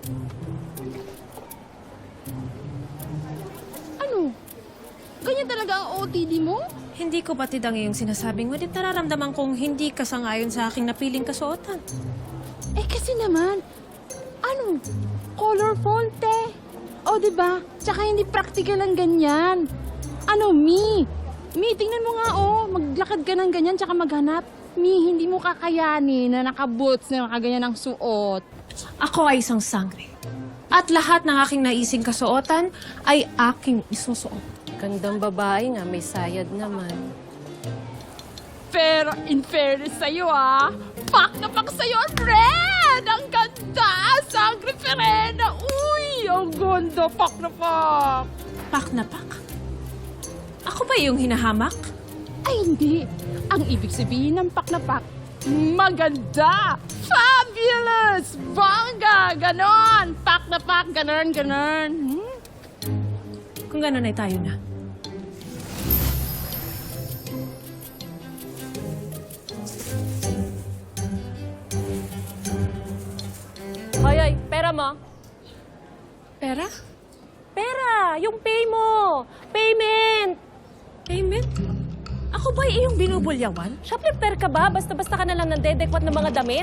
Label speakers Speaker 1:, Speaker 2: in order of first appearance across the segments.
Speaker 1: Ano? Ganyan talaga ang OOTD mo?
Speaker 2: Hindi ko batid ang iyong sinasabing, ngunit nararamdaman kong hindi ka sangayon sa aking napiling kasuotan.
Speaker 1: Eh kasi naman, ano? Colorful, te. O, diba? Tsaka hindi practical ang ganyan. Ano, Mi, tingnan mo nga, maglakad ka ng ganyan tsaka maghanap. Mi, hindi mo kakayanin na naka-boots na nakaganyan ang suot.
Speaker 2: Ako ay isang sangre. At lahat ng aking naising kasuotan ay aking isusuot.
Speaker 3: Gandang babae nga, may sayad naman.
Speaker 1: Pero in fairness sa'yo, pak na pak sa'yo ang red! Ang ganda! Sangre Perena! Uy! Ang ganda! Pak na pak!
Speaker 2: Pak na pak? Ako ba yung hinahamak?
Speaker 1: Ay, hindi. Ang ibig sabihin ng pak na pak, maganda! Fabulous! Bongga! Ganon! Pak na pak! Ganon, ganon.
Speaker 2: Kung gano'n ay tayo na.
Speaker 3: Hoy, pera mo.
Speaker 2: Pera?
Speaker 3: Pera! Yung pay mo! Payment!
Speaker 2: Payment? Ako ba iyong binubulyawan?
Speaker 3: Shoplifter ka ba? Basta-basta ka na lang nandedekwat ng mga damit?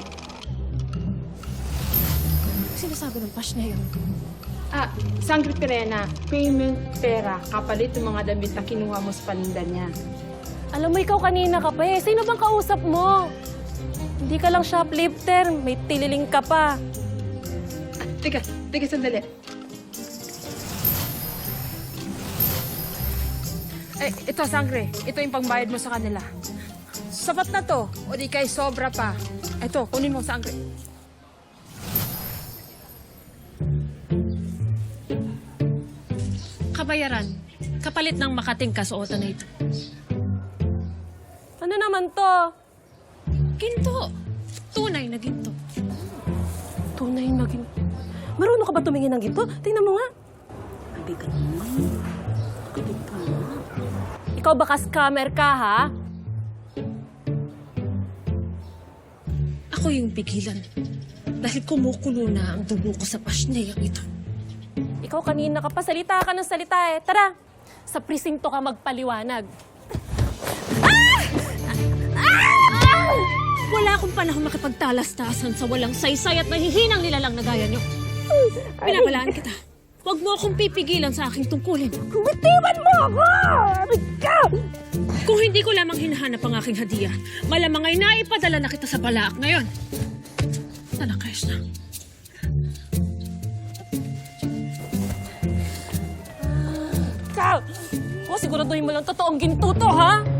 Speaker 2: Sinasabi ng pash na yun.
Speaker 1: Sangre Perena, payment pera, kapalit ng mga damit na kinuha mo sa paninda niya.
Speaker 3: Alam mo, ikaw kanina ka pa eh. Sino bang kausap mo? Hindi ka lang shoplifter. May tililing ka pa.
Speaker 1: Teka sandali. Ito, Sangre. Ito yung pangbayad mo sa kanila. Sapat na to. O di kay sobra pa. Ito, kunin mo, Sangre.
Speaker 2: Kabayaran. Kapalit ng makating kasuotan na ito.
Speaker 3: Ano naman to?
Speaker 2: Ginto. Tunay na ginto.
Speaker 3: Tunay na ginto. Marunong ka ba tumingin ng ginto? Tingnan mo nga.
Speaker 1: Mabigat naman.
Speaker 3: Ikaw baka scammer ka, ha?
Speaker 2: Ako yung pigilan. Dahil kumukulo na ang dugo ko sa pasneyang ito.
Speaker 3: Ikaw kanina ka pa. Salita ka ng salita eh. Tara, sa presinto ka magpaliwanag.
Speaker 2: Wala akong panahon makipagtalastasan sa walang saysay at mahihinang nilalang na gaya niyo. Pinapalaan kita. Huwag mo akong pipigilan sa aking tungkulin.
Speaker 3: Bitiwan mo ako! Ikaw!
Speaker 2: Kung hindi ko lamang hinahanap ang aking hadiah, malamang ay naipadala na kita sa balaak ngayon. Talakayos na.
Speaker 3: Ikaw! O, siguraduhin mo lang totoong ginto to, ha?